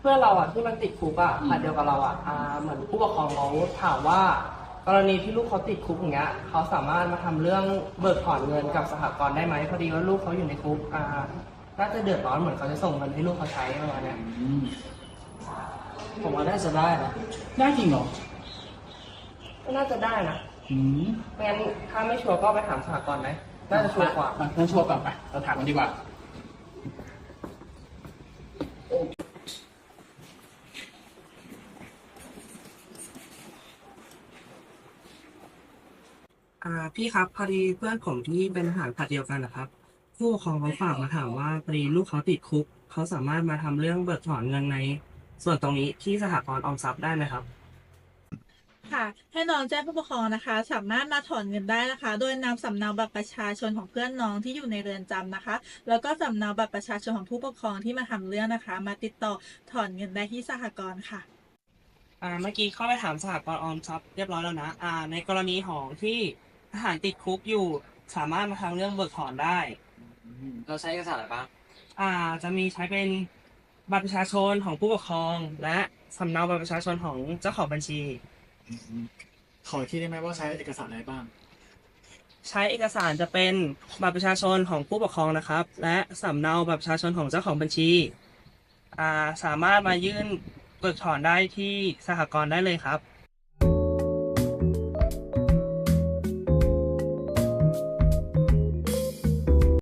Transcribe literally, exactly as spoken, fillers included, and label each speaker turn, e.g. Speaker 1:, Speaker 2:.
Speaker 1: พื่อนเราอ่ะที่มันติดคุกอ่ะผัดเดียวกับเราอ่ะอ่าเหมือนผู้ปกครองเขาถามว่ากรณีที่ลูกเขาติดคุกอย่างเงี้ยเขาสามารถมาทำเรื่องเบิกถอนเงินกับสหกรณ์ได้ไหมพอดีว่าลูกเขาอยู่ในคุกอ่าน่าจะเดือดร้อนเหมือนเขาจะส่งเงินให้ลูกเขาใช้ประมาณเนี้ย
Speaker 2: อืม
Speaker 3: ผมว่าน่าจะได้นะ
Speaker 2: ได้จริงเหรอ
Speaker 1: ก็น่าจะได้นะ
Speaker 2: อืม
Speaker 1: ไม่งั้นถ้าไม่ชัวร์ก็ไปถามสหกรณ์ไหมน่าจะชัวร์กว่า
Speaker 2: อ่ะงั้นชัวร์ก่อนไปเราถามกันดีกว่า
Speaker 1: อ่าพี่ครับพอดีเพื่อนผมที่เป็นทหารผลัดเดียวกันนะครับผู้ปกครองเขาฝากมาถามว่าพอดีลูกเขาติดคุกเขาสามารถมาทำเรื่องเบิกถอนเงินในส่วนตรงนี้ที่สหกรณ์ออมทรัพย์ได้ไหมครับ
Speaker 4: ค่ะให้น้องแจ้งผู้ปกครองนะคะสามารถมาถอนเงินได้นะคะโดยนำสำเนาบัตรประชาชนของเพื่อนน้องที่อยู่ในเรือนจำนะคะแล้วก็สำเนาบัตรประชาชนของผู้ปกครองที่มาทำเรื่องนะคะมาติดต่อถอนเงินได้ที่สหกรณ์ค่ะ
Speaker 1: อ่าเมื่อกี้เข้าไปถามสหกรณ์ออมทรัพย์เรียบร้อยแล้วนะอ่าในกรณีของที่ทหารติดคุกอยู่สามารถมาทำเรื่องเบิกถอนได้
Speaker 3: เราใช้เอกสารอะไรบ้าง
Speaker 1: อ่าจะมีใช้เป็นบัตรประชาชนของผู้ปกครองและสำเนาบัตรประชาชนของเจ้าของบัญชี
Speaker 2: อืมขออีกทีได้ไหมว่าใช้เอกสารอะไรบ้าง
Speaker 1: ใช้เอกสารจะเป็นบัตรประชาชนของผู้ปกครองนะครับ และสำเนาบัตรประชาชนของเจ้าของบัญชีอ่าสามารถมายื่นเบิกถอนได้ที่สหกรณ์ได้เลยครับ